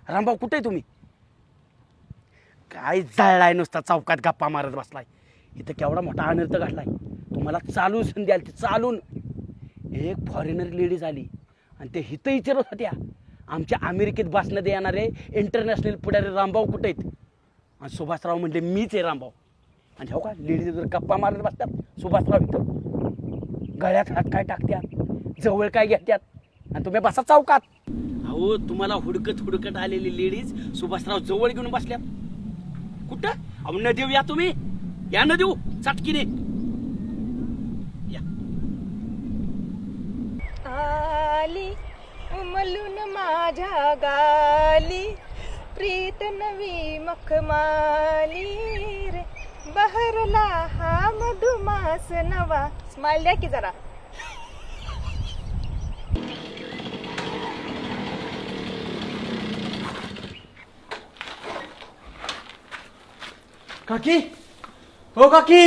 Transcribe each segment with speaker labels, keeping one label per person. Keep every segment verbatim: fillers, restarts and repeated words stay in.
Speaker 1: रामभाऊ कुठे आहे तुम्ही? काय जळलाय नुसता चौकात गप्पा मारत बसलाय. इथं केवढा मोठा अनर्थ घडलाय. तुम्हाला चालून संधी आली, चालून एक फॉरेनर लेडीज आली आणि ते हिथं विचारत होत्या आमच्या अमेरिकेत बसण्यात येणारे इंटरनॅशनल पुढारी रामभाऊ कुठे आहेत. आणि सुभाषराव म्हणले मीच आहे रामभाऊ. आणि हो का लेडीज जर गप्पा मारत बसतात सुभाषराव इथं गळ्यात हात काय टाकत्यात, जवळ काय घेत्यात आणि तुम्ही बसा चौकात. अहो तुम्हाला हुडकत हुडकत आलेली लेडीज सुभाषराव जवळ घेऊन बसल्या. कुठं? अहो न देऊ या तुम्ही, या न देऊ चटकीने या.
Speaker 2: आली उमलून माझ्या गाली प्रीत नवी मखमाली रे बहरला हा मधुमास नवा. स्माइल द्या की जरा.
Speaker 3: काकी, हो काकी,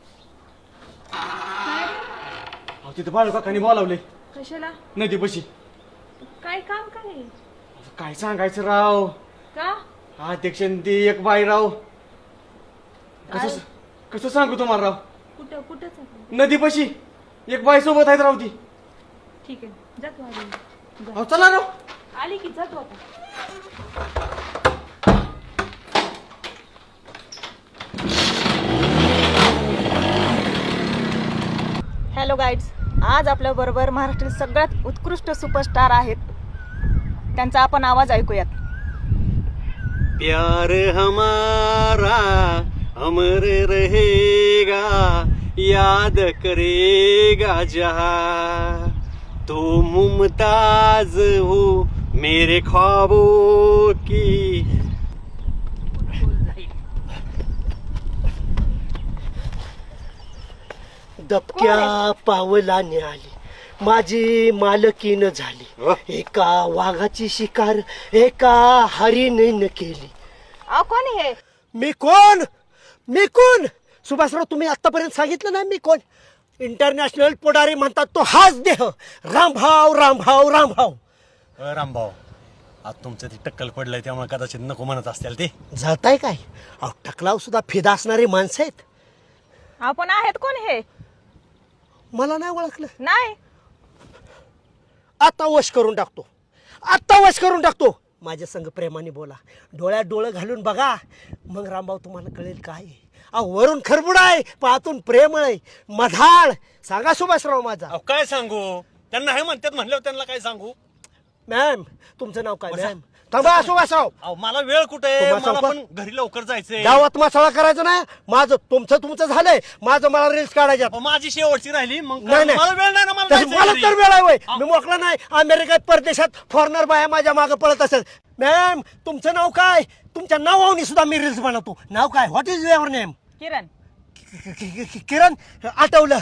Speaker 3: अहो तिथं बाळू काकांनी बोलावले
Speaker 2: कशाला?
Speaker 3: नदी पशी.
Speaker 2: काय काम काय?
Speaker 3: काय सांगायचं राव,
Speaker 2: का
Speaker 3: अध्यक्ष ती एक बाई राव. कसं कसं सांगू तुम्हाला राव.
Speaker 2: कुठं कुठंच
Speaker 3: नदी पशी एक बाई सोबत आहेत राव ती.
Speaker 2: ठीक आहे जातो आली.
Speaker 3: अहो चला राव.
Speaker 2: आली की जातो आता. हॅलो गाईड्स, आज आपल्या बरोबर महाराष्ट्रातील सगळ्यात उत्कृष्ट सुपरस्टार आहेत. त्यांचा आपण आवाज ऐकूयात.
Speaker 4: प्यार हमारा अमर रहेगा, याद करेगा जहां, तो मुमताज हो मेरे ख्वाबों की.
Speaker 5: दबक्या पावलाने आली माझी मालकीन झाली. एका वाघाची शिकार एका हरिणीनं केली.
Speaker 2: अहो कोण हे?
Speaker 5: मी कोण? मी कोण? सुभाषराव तुम्ही आतापर्यंत सांगितलं ना मी कोण. इंटरनॅशनल पुढारी म्हणतात तो हाच देह. रामभाव रामभाव रामभाव.
Speaker 4: रामभाऊ, आज तुमचं ते टक्कल पडलंय त्यामुळे कदाचित नको म्हणत असतील ते.
Speaker 5: जाताय काय? अहो टकलाव सुद्धा फिदा असणारी माणसं आहेत.
Speaker 2: आपण आहेत कोण हे?
Speaker 5: मला नाही ओळखलं.
Speaker 2: नाही
Speaker 5: आता वश करून टाकतो, आता वश करून टाकतो. माझ्या संग प्रेमाने बोला, डोळ्यात डोळं घालून बघा, मग रामभाऊ तुम्हाला कळेल काय. अहो वरून खरबुड आहे, पाहतून प्रेम आहे, मधाळ. सांगा सुभाषराव माझा.
Speaker 4: अहो काय सांगू, त्यांना हे म्हणतात म्हणल्यावर त्यांना काय सांगू.
Speaker 5: मॅम तुमचं नाव काय? मॅम थांबा सुभाषराव.
Speaker 4: अहो मला वेळ कुठे,
Speaker 5: तुम्हाला
Speaker 4: मला
Speaker 5: सांगू
Speaker 4: पण घरी लवकर जायचंय.
Speaker 5: गावात मसाळा करायचं नाही. माझं तुमचं तुमचं झालंय, माझं मला रील्स काढायच्या.
Speaker 4: अहो, माझी शेवटची राहिली मग
Speaker 5: नाही नाही
Speaker 4: मला वेळ नाही ना, मला
Speaker 5: तसं
Speaker 4: जायचंय
Speaker 5: मला
Speaker 4: घरी.
Speaker 5: तर वेळ आहे होय. मी मोकळा नाही. अमेरिकेत परदेशात फॉरेनर बाया माझ्या मागे पळत असेल. मॅम तुमचं नाव काय? तुमच्या नावाने सुद्धा मी रील्स बनवतो. नाव काय? What is your name?
Speaker 2: Kiran.
Speaker 5: Kiran आठवलं.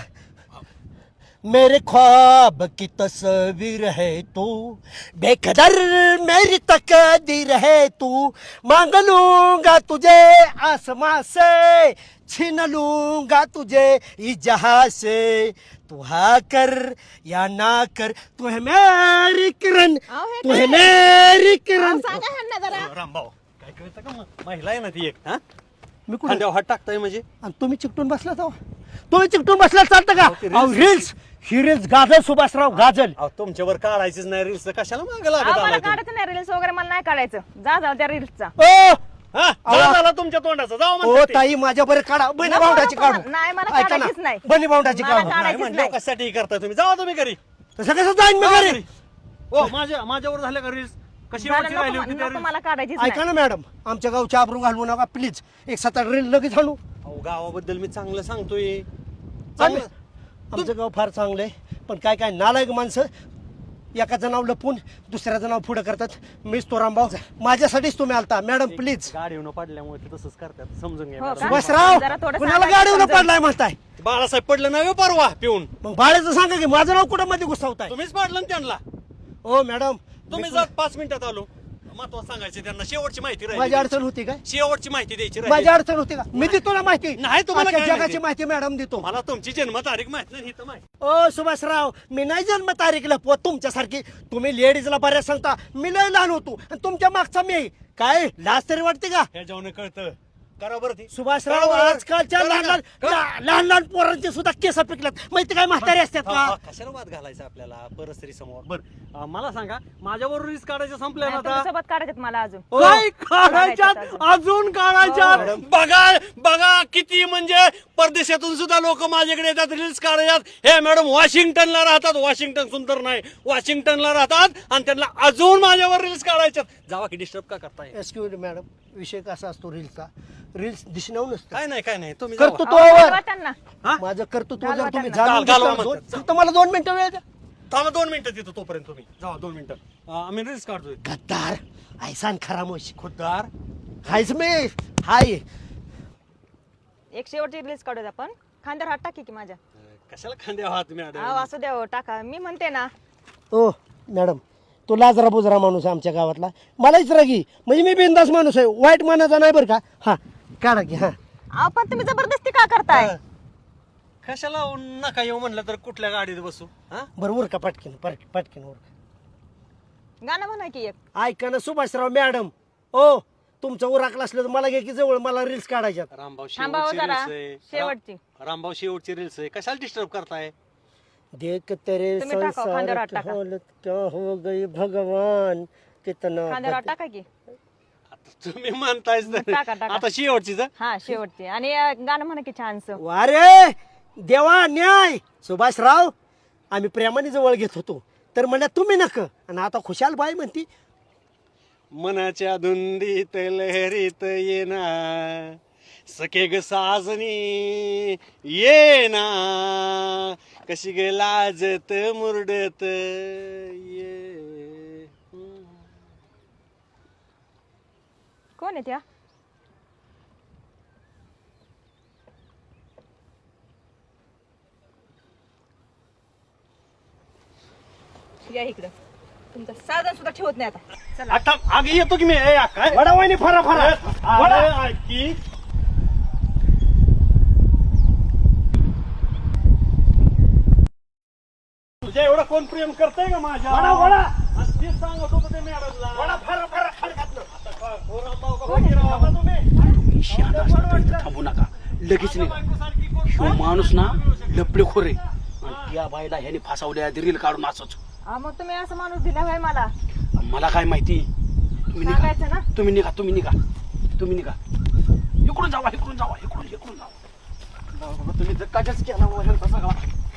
Speaker 5: मेरे ख्वाब की तस्वीर है तू, बेकदर मेरी तकदीर है तू, मांग लूंगा तुझे आसमां से, छीन लूंगा तुझे इस जहां से, तू हा कर या ना कर, तू है मेरी किरण,
Speaker 2: अहो, हे
Speaker 5: तू है
Speaker 2: काय?
Speaker 5: मेरी किरण.
Speaker 2: सांगा ह्यांना जरा.
Speaker 4: अहो, रामभाऊ काय कळतं का, मग महिला आहे ना ती एक. हा
Speaker 5: मी कुठे?
Speaker 4: खांद्यावर हात टाकताय म्हणजे.
Speaker 5: आणि तुम्ही चिकटून बसला तो तुम्ही चिकटून बसला चालतं का? अहो रील्स ही रील्स गाजल सुभाषराव गाजल.
Speaker 4: अहो तुमच्यावर काढायचीच नाही रील्स, कशाला मागे लागत
Speaker 2: अहो, मला
Speaker 4: आलाय तुम्ही?
Speaker 2: काढायचं नाही रील्स वगैरे, मला नाही काढायचं. जा जा त्या रील्सचा.
Speaker 5: ओ
Speaker 4: हा
Speaker 5: अहो,
Speaker 4: जा झाला तुमच्या तोंडाचा, जाऊ
Speaker 5: ओ
Speaker 4: म्हणतात ते.
Speaker 5: ताई माझ्या बरं काढा. बनी
Speaker 2: नको,
Speaker 5: भावडाची
Speaker 2: नको,
Speaker 5: काढू.
Speaker 2: नाही, मला
Speaker 5: ऐका ना,
Speaker 2: काढायचीच नाही.
Speaker 5: बनी भावडाची
Speaker 2: मला
Speaker 5: काढू.
Speaker 2: काढायचीच
Speaker 4: नाही म्हणलं
Speaker 2: नाही.
Speaker 4: कशासाठी करताय तुम्ही, जावा तुम्ही घरी.
Speaker 5: तसं कसं जाईन मी घरी?
Speaker 4: ओ माझ्या माझ्यावर झाल्या का रील्स, कशी
Speaker 2: झालं,
Speaker 4: वरची राहिली
Speaker 2: नको
Speaker 4: होती त्या
Speaker 2: नको,
Speaker 4: reels?
Speaker 2: मला काढायचीच
Speaker 5: ऐका
Speaker 2: नाही.
Speaker 5: ना मॅडम, आमच्या गावच्या आबरू घालवू नका प्लीज. एक सात आठ रील लगेच आणू.
Speaker 4: अहो गावाबद्दल मी चांगलं सांगतोय.
Speaker 5: आम्ही-
Speaker 4: चांगलं
Speaker 5: आमचं गाव फार चांगलं आहे, पण काय काय नालायक माणसं एकाचं नाव लपून दुसऱ्याचं नाव पुढं करतात. मीच तो रामभाऊ, माझ्यासाठीच तुम्ही आलता. Madam please.
Speaker 4: गाडी येऊन पडल्यामुळे ते तसंच करतात, समजून घ्या
Speaker 2: हो
Speaker 4: मॅडम.
Speaker 2: का?
Speaker 5: सुभाषराव
Speaker 2: जरा थोडं
Speaker 5: कुणाला
Speaker 2: सांगायचं
Speaker 5: गाडीवर
Speaker 2: समजून.
Speaker 5: पडलाय म्हणताय?
Speaker 4: बाळासाहेब पडलं नाही हो परवा पिऊन,
Speaker 5: मग बाळाचं सांगा की माझं नाव कुठं मध्ये घुसवताय?
Speaker 4: तुम्हीच पाडलं ना त्यांना.
Speaker 5: हो मॅडम
Speaker 4: तुम्ही जात पाच मिनिटात आलो. महत्वाचं सांगायचं त्यांना, शेवटची माहिती राहिली
Speaker 5: माझी
Speaker 4: द्यायची.
Speaker 5: अडचण होती काय
Speaker 4: शेवटची माहिती द्यायची
Speaker 5: माझी
Speaker 4: राहिली.
Speaker 5: अडचण होती का मी देतो ना माहिती
Speaker 4: नाही, तुम्हाला
Speaker 5: अख्ख्या
Speaker 4: काय
Speaker 5: जगाची
Speaker 4: माहिती?
Speaker 5: माहिती मॅडम देतो
Speaker 4: मला तुमची जन्मतारीख माहित नाही, ही तर माहिती.
Speaker 5: ओ सुभाषराव मी नाही जन्म तारीख लपवत तुमच्यासारखी. तुम्ही लेडीजला बऱ्याच सांगता, मी लय लहान होतो आणि तुमच्या मागचा मी आहे. काय लाज तरी वाटते का
Speaker 4: हे जेवण कळतं करा बरं ती
Speaker 5: सुभाषराव?
Speaker 4: करा बरं.
Speaker 5: आजकालच्या
Speaker 4: करा
Speaker 5: लहान
Speaker 4: का?
Speaker 5: लहान ला- लहान लहान पोरांचे सुद्धा केस पिकल्यात माहिती काय म्हातारे असतात
Speaker 4: हा,
Speaker 5: का?
Speaker 4: हा, कशाला वाद घालायचा आपल्याला परस्त्री समोर. बर मला सांगा, माझ्यावर रिस्क काढायचं संपलं ना आता?
Speaker 2: सोबत काढायचे मला अजून
Speaker 5: ओ,
Speaker 4: काय काढायच्यात
Speaker 2: काढायच्यात
Speaker 4: अजून काढायच्यात? बघा बघा किती म्हणजे परदेशातून सुद्धा लोक माझ्याकडे येतात रील्स काढायच्यात. हे मॅडम वॉशिंग्टनला राहतात, वॉशिंग्टन सुंदर नाही, वॉशिंग्टनला राहतात आणि त्यांना अजून माझ्यावर रील्स काढायच्यात. जावा की डिस्टर्ब का करताय?
Speaker 5: एक्सक्यूज मॅडम, विषय कसा असतो रील्सचा? रील्स दिसण्यावर नसतं,
Speaker 4: काय नाही काय नाही तुम्ही
Speaker 5: करतो
Speaker 4: जावा.
Speaker 5: तो
Speaker 2: अहो,
Speaker 5: वर.
Speaker 2: घालवा त्यांना.
Speaker 5: माझं कर्तृत्व
Speaker 2: घालवा
Speaker 5: जर तुम्ही
Speaker 2: त्यांना.
Speaker 5: जाणून
Speaker 4: घाल- घालवा
Speaker 5: घेतलं, दोन-
Speaker 4: म्हणतात.
Speaker 5: फक्त मला दोन मिनिटं वेळ द्या.
Speaker 4: थांबा दोन मिनिटं देतो तोपर्यंत तुम्ही जावा दोन मिनिटं. अं, आम्ही रील्स काढतोय.
Speaker 5: गद्दार ऐसान खरामोश
Speaker 4: खुद्दार
Speaker 5: हायच मी हाय.
Speaker 2: एक शेवटची रिलीज काढूया आपण. खांद्यावर हात टाकी की माझ्या.
Speaker 4: कशाला खांदे आहात
Speaker 2: अहो
Speaker 4: मॅडम?
Speaker 2: असं द्या हो, टाका. मी म्हणते ना
Speaker 5: ओ मॅडम, तो लाजरा बुजरा माणूस आहे आमच्या गावातला, मलाच रागी. म्हणजे मी बिंदास माणूस आहे, वाईट मानाचा नाही बरं का. हा काढा की. हा
Speaker 2: अहो पण तुम्ही जबरदस्ती का करताय?
Speaker 4: कशाला नका येऊ म्हणलं तर कुठल्या गाडीत बसू? हा
Speaker 5: बरं उर का पटकीन पट- पटकीन उर का.
Speaker 2: गाणं म्हणा की एक.
Speaker 5: ऐका ना सुभाषराव मॅडम, ओ तुमचं उराकलं असलं तर मला घे की जवळ, मला रील्स काढायच्यात.
Speaker 4: रामभाऊ
Speaker 2: थांबा हो
Speaker 4: शेवटची
Speaker 2: जरा.
Speaker 4: रील्स आहे.
Speaker 2: शेवटची.
Speaker 4: रा- रामभाऊ शेवटची रील्स आहे, कशाला डिस्टर्ब करताय?
Speaker 5: देख तेरे
Speaker 2: तुम्ही टाका,
Speaker 5: संसार
Speaker 2: खांद्यावर हात
Speaker 5: की
Speaker 2: टाका.
Speaker 5: हालत क्या हो गई भगवान कितना
Speaker 2: खांद्यावर हात
Speaker 5: बद-
Speaker 2: टाका की.
Speaker 4: आता तुम्ही म्हणतायच तर.
Speaker 2: टाका, टाका.
Speaker 4: आता शेवटचीच हं?
Speaker 2: हा शेवटची. आणि अं, गाणं म्हणा की छानसं.
Speaker 5: वारे देवा न्याय. सुभाषराव आम्ही प्रेमाने जवळ घेत होतो तर म्हणा तुम्ही नक, आणि आता खुशाल बाई म्हणती
Speaker 4: मनाच्या धुंदीत लहरीत येना सखे ग साजनी येना कशी ग लाजत मुरडत ये.
Speaker 2: कोण आहे त्या? या इकडं. तुमचं साधन सुद्धा ठेवत नाही आता. चला.
Speaker 4: आता आगी येतो की मी. ए, काय
Speaker 5: वडा वाहिनी फरा फरा वडा.
Speaker 4: अरे, ऐकी. तुझ्या एवढं कोण प्रेम करतंय का माझ्या?
Speaker 5: वडा वडा
Speaker 4: आणि तेच सांगत होतं ते मॅडमला.
Speaker 5: वडा फरा फरा खाली घातलं.
Speaker 4: आता काय, हो रामभाऊ का फकीराव?
Speaker 5: तुम्ही
Speaker 1: शहाणा असला तर इथं थांबू नका, लगेच निघा.
Speaker 4: बायकोसारखी कोण
Speaker 1: ह्यो
Speaker 4: नाही.
Speaker 1: माणूस ना लपडेखोर आहे आणि त्या बाईला ह्याने फासावल्या रील काढून असंच.
Speaker 2: अहो, मग तुम्ही असं माणूस दिला होय मला.
Speaker 1: मला काय माहिती. तुम्ही निघा,
Speaker 2: सांगायचं ना.
Speaker 1: तुम्ही निघा, तुम्ही निघा, तुम्ही निघा. इकडून जावा, इकडून जावा, इकडून इकडून जावा.
Speaker 4: बाबा, तुम्ही धक्काच केला बाबा ह्यांचा सगळा.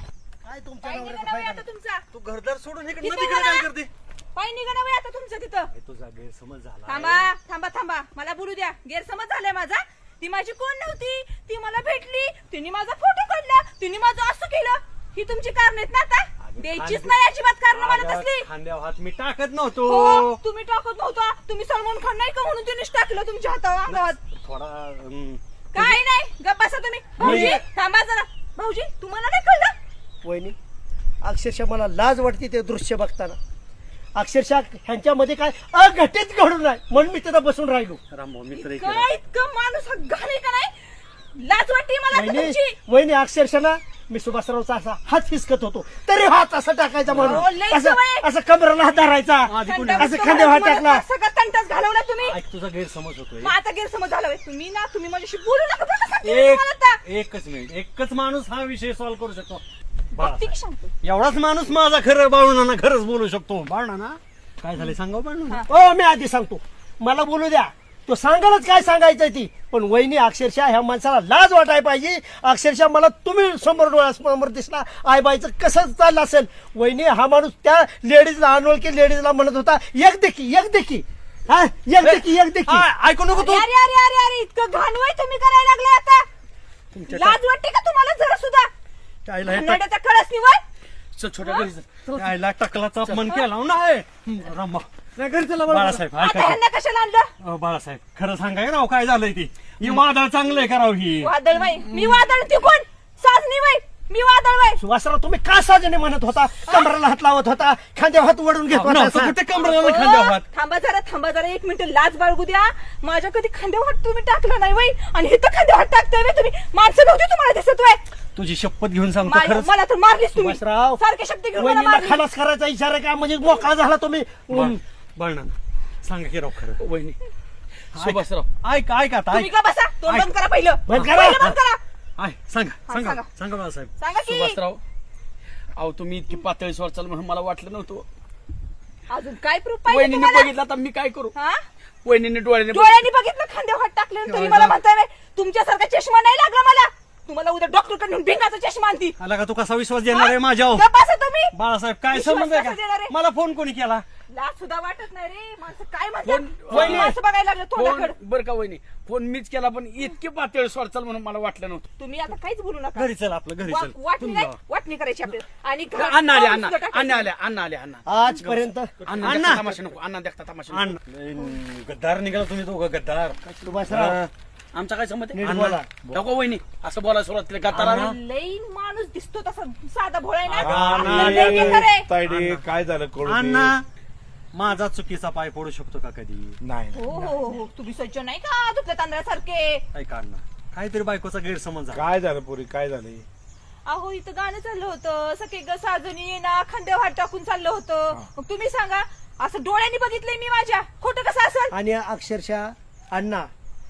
Speaker 5: काय तुमच्या
Speaker 2: पाय
Speaker 5: नवऱ्याचा
Speaker 2: निघा नव्हे
Speaker 5: फायदा?
Speaker 2: आता तुमचा.
Speaker 4: तू घरदार सोडून इकडे
Speaker 2: किती
Speaker 4: नदीकडे काय
Speaker 2: घरा?
Speaker 4: करते?
Speaker 2: पाय निघा नव्हे आता तुमचं तिथं.
Speaker 4: हे तुझा गैरसमज झाला.
Speaker 2: थांबा थांबा थांबा. मला बोलू द्या. गैरसमज झालाय माझा. ती माझी कोण नव्हती, ती मला भेटली, तिने माझा फोटो काढला, तिने माझं असं केलं. ही तुमची कारण आहेत ना आता? द्यायचीच नाही अजिबात कारण मला
Speaker 4: अगं,
Speaker 2: तसली.
Speaker 4: खांद्यावर हात मी टाकत नव्हतो.
Speaker 2: हो तुम्ही टाकत नव्हता. तुम्ही सलमान खान नाही का म्हणून तिनेच टाकलं तुमच्या हातावर अंगावर.
Speaker 4: थोडा अं,
Speaker 2: काय नाही. गप्प बसा तुम्ही. भाऊजी थांबा जरा. भाऊजी तुम्हाला नाही कळलं?
Speaker 5: वहिनी अक्षरशः मला लाज वाटते ते दृश्य बघताना. अक्षरशः ह्यांच्यामध्ये काय अघटित घडून आहे म्हणून मी तिथं बसून राहिलो.
Speaker 4: रामभाऊ मित्र एक
Speaker 2: काय इतकं माणूस हा घाण आहे का नाही? लाज वाटते मला आता
Speaker 5: वहिनी
Speaker 2: तुमची.
Speaker 5: वहिनी अक्षरशः ना मी सुभाषरावचा असा हात हिसकत होतो तरी हात असा टाकायचा
Speaker 2: अहो, लय
Speaker 5: म्हणून असं
Speaker 2: सवय.
Speaker 5: असं कमराला हात धरायचा,
Speaker 4: आधी कोणी-
Speaker 2: थंडावा
Speaker 5: असं
Speaker 2: तुम्हाला-
Speaker 5: खांद्यावर हात
Speaker 2: तुम्हाला
Speaker 5: टाकला.
Speaker 2: सगळं तंटाच घालवला तुम्ही.
Speaker 4: ऐक, तुझा गैरसमज होतोय.
Speaker 2: मग आता गैरसमज झाला होय. तुम्ही ना तुम्ही माझ्याशी बोलू नका बरं का सांगते मी
Speaker 4: एक
Speaker 2: तुम्हाला आता.
Speaker 4: एकच मिनिट, एकच माणूस हा विषय सॉल्व्ह करू शकतो.
Speaker 2: बघते की सांगतो.
Speaker 4: एवढाच माणूस माझा खरं बाळूना खरंच बोलू शकतो. बाळूना काय झालं सांगा बाळूना.
Speaker 5: हो मी आधी सांगतो, मला बोलू द्या. तो सांगालच काय सांगायचंय ती, पण वहिनी अक्षरशः ह्या माणसाला लाज वाटायला पाहिजे. अक्षरशः मला तुम्ही समोर डोळ्यासमोर दिसला आईबाईचं कसं चाललं असेल. वहिनी हा माणूस त्या लेडीजला अनोळखी लेडीजला म्हणत होता एक देखी एक देखी हा एक देखी एक देखी.
Speaker 4: आ, ऐकू नको तू.
Speaker 2: अरे अरे अरे अरे इतकं घाणवय तुम्ही करायला लागले आता. लाज वाटते का तुम्हाला जरा सुद्धा?
Speaker 4: त्याला हे टाक-
Speaker 2: कन्नडाचा कळस निवड.
Speaker 1: चल छोट्या घरी चल.
Speaker 4: त्याला टकलाचा अपमान केला हो नाही. रामबा
Speaker 5: घरी चला बरं.
Speaker 4: बाळासाहेब
Speaker 2: आता
Speaker 4: ऐका.
Speaker 2: ह्यांना कशाला आणलं?
Speaker 4: अहो, बाळासाहेब खरं सांगाय राव काय झालंय ती. ही वादळ चांगलंय करावं ही.
Speaker 2: वादळ बाई. मी वादळ ती कोण? साजनी बाई. मी वादळ बाय
Speaker 5: सुभाषराव तुम्ही का साजने म्हणत होता, कमराला हात लावत होता, खांद्यावर हात वडून घेत होता
Speaker 4: नव्हतं
Speaker 5: असा?
Speaker 4: कुठे कमरेला खांद्यावर हात.
Speaker 2: थांबा जरा थांबा जरा एक मिनिट लाज बाळगू द्या. माझ्या कधी खांद्यावर हात तुम्ही टाकला नाही वय, आणि हे तर खांद्यावर हात टाकतोय व्हय तुम्ही. माणसं नव्हती तुम्हाला दिसत वय.
Speaker 4: तुझी शपथ घेऊन सांगतो
Speaker 2: माझ्या-
Speaker 4: खरंच.
Speaker 2: मला तर मारलीस तुम्ही
Speaker 5: सुभाषराव
Speaker 2: सारखे शब्द घेऊन मला
Speaker 5: वहिनीला
Speaker 2: मारली.
Speaker 5: खलास करायचा इशारा का, म्हणजे मोकळा झाला तुम्ही.
Speaker 4: बळणा सांगा की राव खरं.
Speaker 1: वहिनी सुभाषराव
Speaker 4: ऐक ऐक आता
Speaker 2: तुम्ही
Speaker 4: ऐक
Speaker 2: का बसा तोंड बंद करा पहिलं
Speaker 5: बंद करा.
Speaker 2: पहिलं बंद करा.
Speaker 4: ऐक सांगा
Speaker 2: हा,
Speaker 4: सांगा
Speaker 2: सांगा.
Speaker 4: सांगा बाळासाहेब.
Speaker 2: सांगा की
Speaker 1: सुभाषराव अहो तुम्ही इतकी पातळी स्वर चाल म्हणून मला वाटलं नव्हतं.
Speaker 2: अजून काय प्रूफ पाहिजे
Speaker 1: वहिनीने
Speaker 2: तुम्हाला?
Speaker 1: बघितलं तर मी काय करू.
Speaker 2: हा?
Speaker 1: वहिनीने डोळ्याने बघितलं.
Speaker 2: डोळ्यांनी बघितलं खांद्यावर हात टाकले तरी मला म्हणताय व्हय, तुमच्यासारखा चष्मा नाही लागला मला. तुम्हाला उद्या डॉक्टर कडे नेऊन भिंगाचा चष्मा आणती.
Speaker 4: आला का तू कसा विश्वास देणार आहे माझ्यावर?
Speaker 2: गप्प बसा तुम्ही.
Speaker 4: बाळासाहेब काय
Speaker 2: विश्वास
Speaker 4: संबंध आहे
Speaker 2: कसा देणार
Speaker 4: का?
Speaker 2: आहे?
Speaker 4: मला फोन कोणी केला?
Speaker 2: लाज सुद्धा वाटत नाही रे. माणसं काय
Speaker 1: फोन-
Speaker 2: म्हणतात
Speaker 1: वहिनी.
Speaker 2: माणसं बघायला लागलं
Speaker 1: फोन
Speaker 2: तोंडाकडे.
Speaker 1: बरं का वहिनी, फोन मीच केला पण इतकी पातळी स्वर चाल म्हणून मला वाटलं नव्हतं.
Speaker 2: तुम्ही आता काहीच बोलू नका.
Speaker 4: घरी चल आपलं घरी
Speaker 2: वा-
Speaker 4: चल.
Speaker 2: वाटणी
Speaker 4: तुम्ही
Speaker 2: नाही
Speaker 4: जावा.
Speaker 2: वाटणी करायची आपल्याला. आणि घरात
Speaker 1: अण्णा आले
Speaker 2: पाऊल
Speaker 1: अण्णा
Speaker 2: सुद्धा टाकायचं.
Speaker 1: अण्णा आले अण्णा आले अण्णा
Speaker 5: आजपर्यंत
Speaker 1: अण्णा
Speaker 4: अण्णा.
Speaker 1: देखता तमाशा नको अण्णा देखता तमाशा नको.
Speaker 4: अण्णा गद्दार निघाला तुम्ही दोघं गद्दार.
Speaker 5: सुभाषराव
Speaker 4: हा.
Speaker 1: आमचा काय संमत
Speaker 5: नीट
Speaker 1: आहे?
Speaker 5: बोला.
Speaker 1: नको वहिनी असं बोलायला सुरुवात केली गतारा
Speaker 4: अण्णा.
Speaker 2: लई माणूस दिसतो तसा साधा भोळा आहे ना.
Speaker 4: अगं,
Speaker 2: आपल्याला
Speaker 4: अण्णा.
Speaker 2: लई बेकार आहे.
Speaker 6: तायडे काय झालं कळू दे.
Speaker 4: अण्णा माझा चुकीचा पाय पडू शकतो का कधी?
Speaker 6: नाही
Speaker 2: हो हो हो हो तुम्ही सज्ज नाही का तुपल्या तांदळासारखे.
Speaker 4: ऐका अण्णा काहीतरी बायकोचा गैरसमज झाला.
Speaker 6: काय झालं पुरी काय झालं
Speaker 2: अहो इथं गाणं चाललं होतं सखे ग साजनी ये ना खांद्यावर हात टाकून चाललं होतं. मग तुम्ही सांगा असं डोळ्यांनी बघितलंय मी माझ्या, खोटं कसं असेल?
Speaker 5: आणि अक्षरशः अण्णा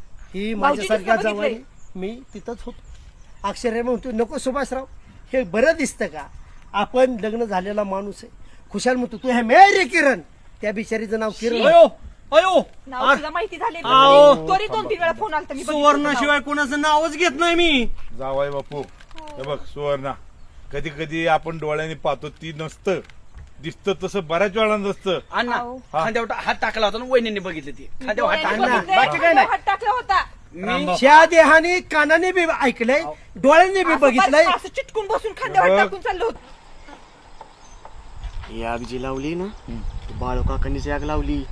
Speaker 5: ही
Speaker 2: भाऊजींनी
Speaker 5: माझ्यासारख्या
Speaker 2: सुद्धा
Speaker 5: जवळ मी तिथंच होतो. अक्षर म्हणतो नको सुभाषराव हे बरं दिसतं का, आपण लग्न झालेला माणूस आहे. खुशाल म्हणतो तू हे मेरे किरण, त्या बिचारीचं नाव किरण आहे.
Speaker 4: अयो अयो
Speaker 2: नाव तुला माहिती झाले
Speaker 4: आओ.
Speaker 2: तरी दोन तीन वेळा फोन आलता मी बघितलं
Speaker 4: सुवर्ण
Speaker 2: नाव.
Speaker 4: शिवाय कोणाचं नावच घेत नाही मी.
Speaker 6: जावाय बापू हे बघ सुवर्णा, कधी कधी आपण डोळ्याने पाहतो ती नसतं, दिसतं तसं बऱ्याच वेळा नसतं.
Speaker 1: अण्णा
Speaker 2: अहो.
Speaker 1: खांद्यावर हात टाकला होता ना वहिनीने बघितलं ती खांद्यावर हात
Speaker 2: डोळ्यांनी
Speaker 1: टाकला
Speaker 2: बघितलंय,
Speaker 1: बाकी काय
Speaker 2: खांद्यावर
Speaker 1: नाही.
Speaker 2: हात टाकला होता.
Speaker 1: मी
Speaker 5: त्या देहाने कानाने बी ऐकलंय, डोळ्यांनी बी
Speaker 2: असं
Speaker 5: बघितलंय.
Speaker 2: असं चिटकून बसून खांद्यावर
Speaker 6: बघ.
Speaker 2: टाकून चाललो होतो.
Speaker 7: ही आग जी लावली ना बाळू काकांनीच आग लावली.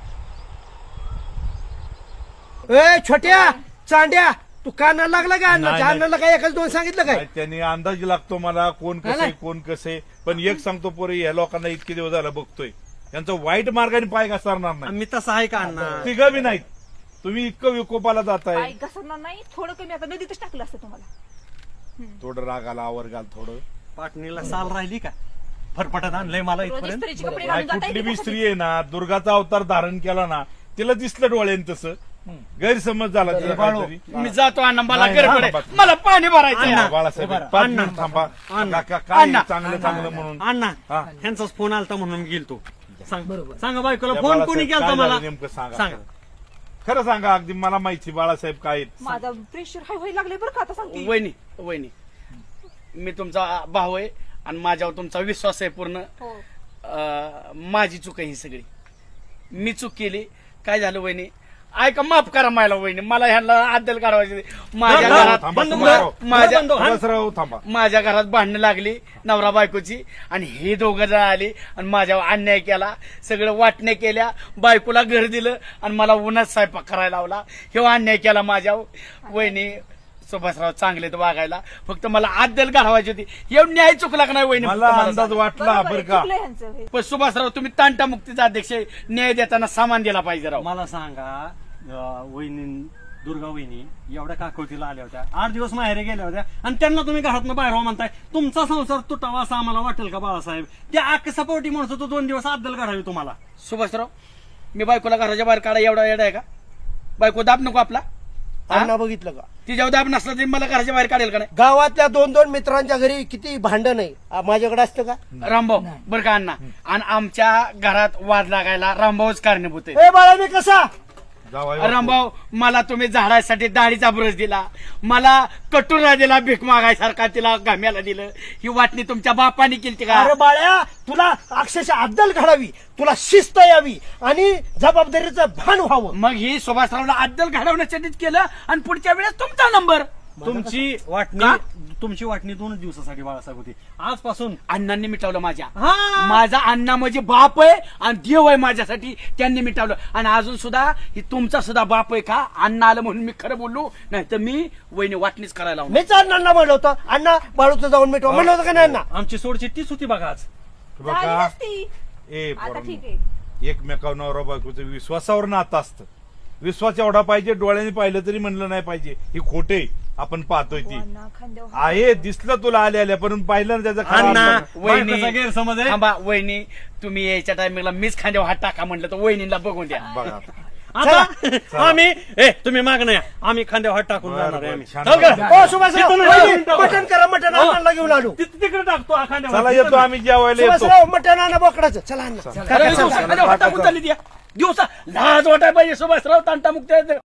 Speaker 5: ए छोट्या चांड्या तू कानाला लागला का अण्णा?
Speaker 6: नाही,
Speaker 5: अण्णाला काय एकच दोन सांगितलं काय?
Speaker 6: काय त्यांनी अंदाज लागतो मला कोण कसे कोण कसे, पण एक सांगतो पोरी या लोकांना इतके दिवस झाला बघतोय यांचं वाईट मार्गाने पाय घसरणार नाही.
Speaker 4: मी तसं आहे का अण्णा?
Speaker 6: तिघं बी नाहीत. तुम्ही इतकं विकोपाला जाताय.
Speaker 2: आई घसरणार नाही थोडं कमी आता नदीतच टाकलं असतं तुम्हाला.
Speaker 6: थोडं रागाला आवर घाल थोडं.
Speaker 4: पाटणीला साल राहिली का? फरफटत आणलंय मला
Speaker 2: रोज
Speaker 4: इथपर्यंत.
Speaker 2: इस्त्रीचे कपडे
Speaker 6: काय
Speaker 2: घालून जाता
Speaker 6: कुठली
Speaker 2: येते
Speaker 6: बी
Speaker 2: का?
Speaker 6: स्त्री आहे ना दुर्गाचा अवतार धारण केला ना तिला दिसलं डोळ्याने तसं गैरसमज झाला तिला काहीतरी.
Speaker 1: मी जातो अण्णा मला
Speaker 6: नाही,
Speaker 1: गडबड
Speaker 6: नाही,
Speaker 1: आहे. मला पाणी भरायचं
Speaker 6: अण्णा,
Speaker 1: आहे.
Speaker 6: बाळासाहेब
Speaker 4: बरं,
Speaker 6: पाच
Speaker 4: अण्णा.
Speaker 6: मिनिट थांबा.
Speaker 4: अण्णा.
Speaker 6: काका, काय
Speaker 1: अण्णा.
Speaker 6: चांगलं चांगलं म्हणून
Speaker 4: अण्णा
Speaker 6: हा.
Speaker 4: ह्यांचाच फोन आलता म्हणून गेलतो. सांग सांगा बायकोला
Speaker 6: या
Speaker 4: फोन
Speaker 6: बाळासाहेब
Speaker 4: कोणी केलता
Speaker 6: काय
Speaker 4: मला?
Speaker 6: झालं नेमकं सांगा
Speaker 4: सांगा.
Speaker 6: खरं सांगा अगदी मला माहिती बाळासाहेब काय
Speaker 2: माझा प्रेशर हाय व्हायला लागले बरं का आता सांगते.
Speaker 1: वहिनी वहिनी मी तुमचा भाऊ आहे आणि माझ्यावर तुमचा विश्वास आहे पूर्ण.
Speaker 2: हो.
Speaker 1: अं, माझी चूक आहे ही सगळी. मी चूक केली. काय झालं वहिनी ऐका माफ करा मला वहिनी, मला ह्याला अद्दल काढवायची माझ्या
Speaker 4: थांबा,
Speaker 1: घरात
Speaker 6: थांबा,
Speaker 4: बंद
Speaker 6: थांबा.
Speaker 4: कर.
Speaker 1: माझ्या
Speaker 4: बंद कर.
Speaker 6: बसराव थांबा.
Speaker 1: माझ्या घरात भांडणं लागली नवरा बायकोची आणि हे दोघं जण आली आणि माझ्यावर अन्याय केला. सगळं वाटण्या केल्या, बायकोला घर दिलं आणि मला उन्हात स्वयंपाक करायला लावला. हे अन्याय केला माझ्यावर. वहिनी सुभाषराव चांगले तर वागायला, फक्त मला अद्दल घालवायची होती. एवढं न्याय चुकला का नाही वहिनी?
Speaker 6: मला
Speaker 1: तुम्हाला
Speaker 6: अंदाज
Speaker 1: सांग.
Speaker 6: वाटला
Speaker 2: बरोबर आहे,
Speaker 6: बरं का
Speaker 2: चुकलं ह्यांचं हे.
Speaker 1: पण सुभाषराव तुम्ही तांटा मुक्तीचा अध्यक्ष आहे. न्याय देताना सामान दिला पाहिजे राव.
Speaker 4: मला सांगा अं, वहिनी दुर्गा वहिनी एवढ्या काकोतीला आल्या होत्या, आठ दिवस माहेरे गेल्या होत्या आणि त्यांना तुम्ही घरातनं बाहेर हो म्हणताय. तुमचा संसार तुटावा असं आम्हाला वाटेल का बाळासाहेब? त्या आक्का सपोर्टी म्हणत होतो दोन दिवस अद्दल काढावी तुम्हाला.
Speaker 1: सुभाषराव मी बायकोला घराच्या बाहेर काढा एवढा येडा आहे का? बायको दाब नको आपला?
Speaker 5: अण्णा बघितलं का?
Speaker 1: तिच्यावर दाब नसला तरी मला घराच्या बाहेर काढेल का नाही?
Speaker 5: गावातल्या दोन दोन मित्रांच्या घरी किती भांडण आहे, आ, माझ्याकडे असतं का?
Speaker 1: रामभाऊ बरं का अण्णा, आणि आमच्या घरात वाद लागायला रामभाऊच कारणीभूत आहे.
Speaker 5: ए बाळा मी कसा
Speaker 6: जावाई बापू.
Speaker 1: रामभाऊ मला तुम्ही झाडासाठी दाढीचा ब्रश दिला, मला कटोरा दिला, भीक मागायसारखा तिला गाम्याला दिलं. ही वाटणी तुमच्या बापाने केली का?
Speaker 5: अरे बाळ्या तुला अक्षरशः अद्दल घडावी, तुला शिस्त यावी आणि जबाबदारीचं भान व्हावं.
Speaker 1: मग ही सुभाषरावला अद्दल घडवण्यासाठीच केलं आणि पुढच्या वेळेस तुमचा नंबर.
Speaker 4: तुमची वाटणी
Speaker 1: का?
Speaker 4: तुमची वाटणी दोनच दिवसासाठी बाळासाहेब होती. आजपासून
Speaker 1: अण्णांनी मिटवलं माझ्या
Speaker 4: हा.
Speaker 1: माझा अण्णा म्हणजे बाप आहे आणि देव आहे माझ्यासाठी, त्यांनी मिटवलं. आणि अजून सुद्धा ही तुमचा सुद्धा बाप आहे का? अण्णा आलं म्हणून मी खरं बोललो, नाही तर मी वहिनी वाटणीच करायला लावणार.
Speaker 5: मीच अण्णांना म्हणलं होतं, अण्णा बाळूचं जाऊन मिटवा म्हणलं होतं का नाही अण्णा?
Speaker 4: आमची सोडची तीच होती बघा आज.
Speaker 2: झाली
Speaker 6: बघा
Speaker 2: नसती.
Speaker 6: ए
Speaker 2: आता
Speaker 6: पोरांनो,
Speaker 2: ठीक आहे.
Speaker 6: एकमेकावर नवरा बायकोचं विश्वासावर नातं असतं. विश्वास एवढा पाहिजे, डोळ्याने पाहिलं तरी म्हणलं नाही पाहिजे ही खोटे आपण पाहतोय ती
Speaker 2: अण्णा, खांद्यावर हात
Speaker 6: आहे. दिसलं तुला आले आल्या पण पाहिलं ना त्याचा खरा
Speaker 4: अण्णा
Speaker 6: अर्थ.
Speaker 4: बायकोचा गैरसमज आहे.
Speaker 1: थांबा वहिनी, तुम्ही यायच्या टायमिंगला मीच खांद्यावर हात टाका म्हणलं तर वहिनीला बघून द्या.
Speaker 6: बघा आता.
Speaker 4: आता आम्ही ए तुम्ही माग नाही, आम्ही खांद्यावर हात टाकून
Speaker 6: बरं,
Speaker 4: जाणार आहे
Speaker 6: बरं,
Speaker 4: आम्ही.
Speaker 6: छान.
Speaker 4: चल का?
Speaker 5: ओ सुभाषराव,
Speaker 4: तिथून
Speaker 5: वहिनी,
Speaker 4: मिनिटं.
Speaker 5: मटण करा, मटण अण्णाला घेऊन आलो.
Speaker 4: तिथे तिकडे टाकतो हा खांद्यावर.
Speaker 6: चला येतो आम्ही जेवायला येतो.
Speaker 5: सुभाषराव, मटण आणा बोकडाचं. चला अण्णा.
Speaker 1: खरं दिवसा खांद्यावर हात टाकून चालली द्या. दिवसा लाज वाटाय पाहिजे सुभाषराव, तांटामुक्त